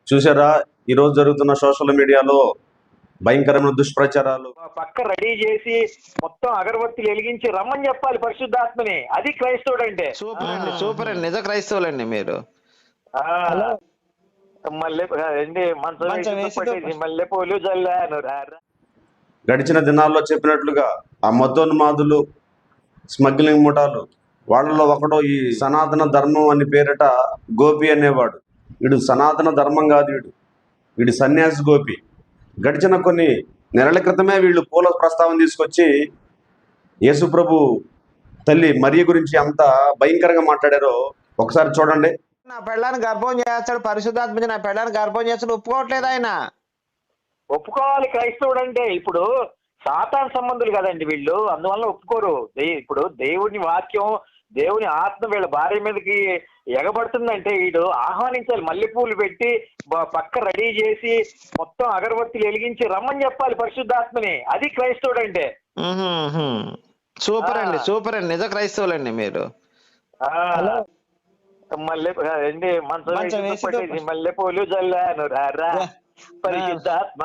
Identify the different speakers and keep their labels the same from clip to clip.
Speaker 1: చూసారా ఈరోజు జరుగుతున్న సోషల్ మీడియాలో భయంకరమైన దుష్ప్రచారాలు.
Speaker 2: పక్క రెడీ చేసి మొత్తం అగరబత్తిలు వెలిగించి రమ్మని చెప్పాలి పరిశుద్ధాత్మని. అది క్రైస్తవుడు అంటే.
Speaker 3: సూపర్ అండి, సూపర్ అండి, నిజ క్రైస్తవులండి మీరు.
Speaker 2: మళ్ళీ మల్లెపూలు జల్లాను.
Speaker 1: గడిచిన దినాల్లో చెప్పినట్లుగా ఆ మతోన్మాదులు, స్మగ్లింగ్ ముఠాలు, వాళ్ళలో ఒకడో ఈ సనాతన ధర్మం అని పేరిట గోపి అనేవాడు. వీడు సనాతన ధర్మం కాదు, వీడు సన్యాసి గోపి. గడిచిన కొన్ని నెలల క్రితమే వీళ్ళు పూల ప్రస్తావన తీసుకొచ్చి యేసుప్రభు తల్లి మరియ గురించి అంత భయంకరంగా మాట్లాడారో ఒకసారి చూడండి.
Speaker 3: నా పెళ్ళాన్ని గర్భం చేస్తాడు, పరిశుద్ధాత్మ నా పెళ్ళాన్ని గర్భం చేస్తాడు, ఒప్పుకోవట్లేదు ఆయన.
Speaker 2: ఒప్పుకోవాలి క్రైస్తవుడు అంటే. ఇప్పుడు సాతాన్ సంబంధులు కదండి వీళ్ళు, అందువల్ల ఒప్పుకోరు. ఇప్పుడు దేవుని వాక్యం, దేవుని ఆత్మ వీళ్ళ భార్య మీదకి ఎగబడుతుందంటే వీడు ఆహ్వానించాలి. మల్లెపూలు పెట్టి పక్క రెడీ చేసి మొత్తం అగరబత్తిలు వెలిగించి రమ్మని చెప్పాలి పరిశుద్ధాత్మని. అది క్రైస్తవుడు అంటే.
Speaker 3: సూపర్ అండి, సూపర్ అండి, నిజ క్రైస్తవులండి మీరు.
Speaker 2: మల్లెపూలు జల్లాను రా పరిశుద్ధాత్మ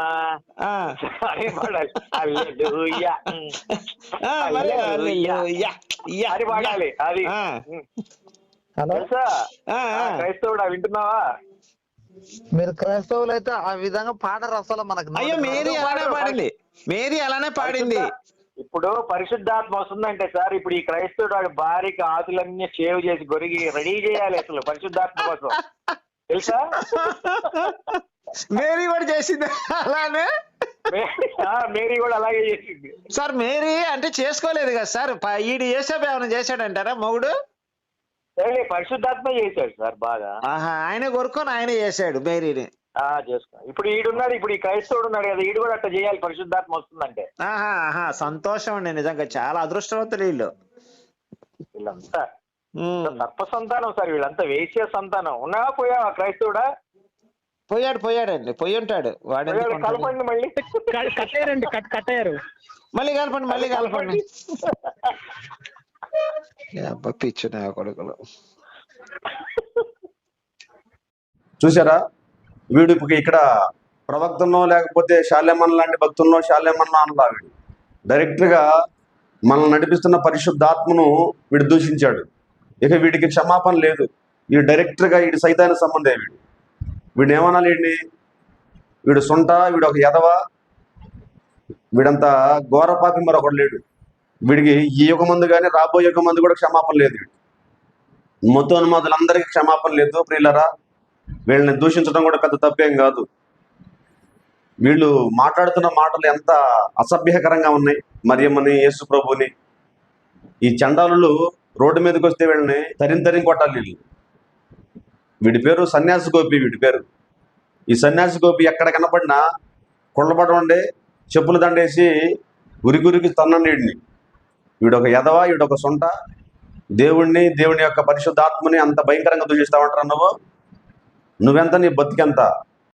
Speaker 2: అది పాడాలి. అది క్రైస్తవుడా, వింటున్నావా?
Speaker 4: మీరు క్రైస్తవులు అయితే ఆ విధంగా పాడరు అసలు. మనకు
Speaker 3: అయ్యో మేరీ అలానే పాడింది, మేరీ అలానే పాడింది.
Speaker 2: ఇప్పుడు పరిశుద్ధాత్మ వస్తుందంటే సార్, ఇప్పుడు ఈ క్రైస్తవుడు వాడి భార్యకి ఆతులన్నీ షేవ్ చేసి గొరిగి రెడీ చేయాలి అసలు పరిశుద్ధాత్మ కోసం, తెలుసా?
Speaker 3: మేరీ కూడా చేసింది అలానే.
Speaker 2: మేరీ కూడా అలాగే చేసింది
Speaker 3: సార్. మేరీ అంటే చేసుకోలేదు కదా సార్, ఈడు యేసప్ప ఏమైనా చేశాడంటారా మొగుడు?
Speaker 2: పరిశుద్ధాత్మ చేశాడు సార్ బాగా.
Speaker 3: ఆయన కొరుకొని ఆయన చేశాడు మేరీని.
Speaker 2: చేసుకో. ఇప్పుడు ఈడున్నాడు, ఇప్పుడు ఈ క్రైస్తవుడు ఉన్నాడు కదా, ఈడు కూడా అట్లా చేయాలి పరిశుద్ధాత్మ వస్తుందంటే.
Speaker 3: సంతోషం అండి, నిజంగా చాలా అదృష్టవంతులు వీళ్ళు.
Speaker 2: వీళ్ళంతా సర్ప సంతానం సార్, వీళ్ళంతా వేశ్య సంతానం. ఉన్నావా పోయావా క్రైస్తవుడా?
Speaker 3: పోయాడండి, పోయి ఉంటాడు వాడు.
Speaker 2: కలపండి మళ్ళీ,
Speaker 4: కట్టేయారండి, కట్టేయారు.
Speaker 3: మళ్ళీ కలపండి. పిచ్చునా కొడుకులు.
Speaker 1: చూసారా వీడు ఇక్కడ ప్రవక్తనో లేకపోతే శాల్యమన్ లాంటి భక్తుల్లో శాల్యమన్ అనలా. వీడు డైరెక్ట్గా మనల్ని నడిపిస్తున్న పరిశుద్ధాత్మను వీడు దూషించాడు. ఇక వీడికి క్షమాపణ లేదు. వీడు డైరెక్ట్గా వీడి సైతాన సంబంధే. వీడు ఏమనాలి? వీడు సొంట, వీడు ఒక ఎదవ, వీడంతా ఘోరపాపి మరొకడు లేడు. వీడికి ఈ యుగ మందు కానీ రాబోయే యుగ మందు కూడా క్షమాపణ లేదు. మతోన్మాదులందరికీ క్షమాపణ లేదు. ప్రియులరా, వీళ్ళని దూషించడం కూడా పెద్ద తప్పేం కాదు. వీళ్ళు మాట్లాడుతున్న మాటలు ఎంత అసభ్యకరంగా ఉన్నాయి. మరియమ్మని, యేసు ప్రభుని. ఈ చండాలులు రోడ్డు మీదకి వస్తే వీళ్ళని తరిం కొట్టాలి. వీడి పేరు సన్యాసి గోపి. వీడి పేరు ఈ సన్యాసి గోపి. ఎక్కడ కనపడినా కొళ్ళబడండి, చెప్పులు దండేసి గురికి తన్నండి వీడిని. వీడొక ఎదవ, వీడొక సొంట. దేవుణ్ణి, దేవుని యొక్క పరిశుద్ధాత్మని అంత భయంకరంగా దూషిస్తామంటారు. నువ్వెంత, నీ బతికెంత?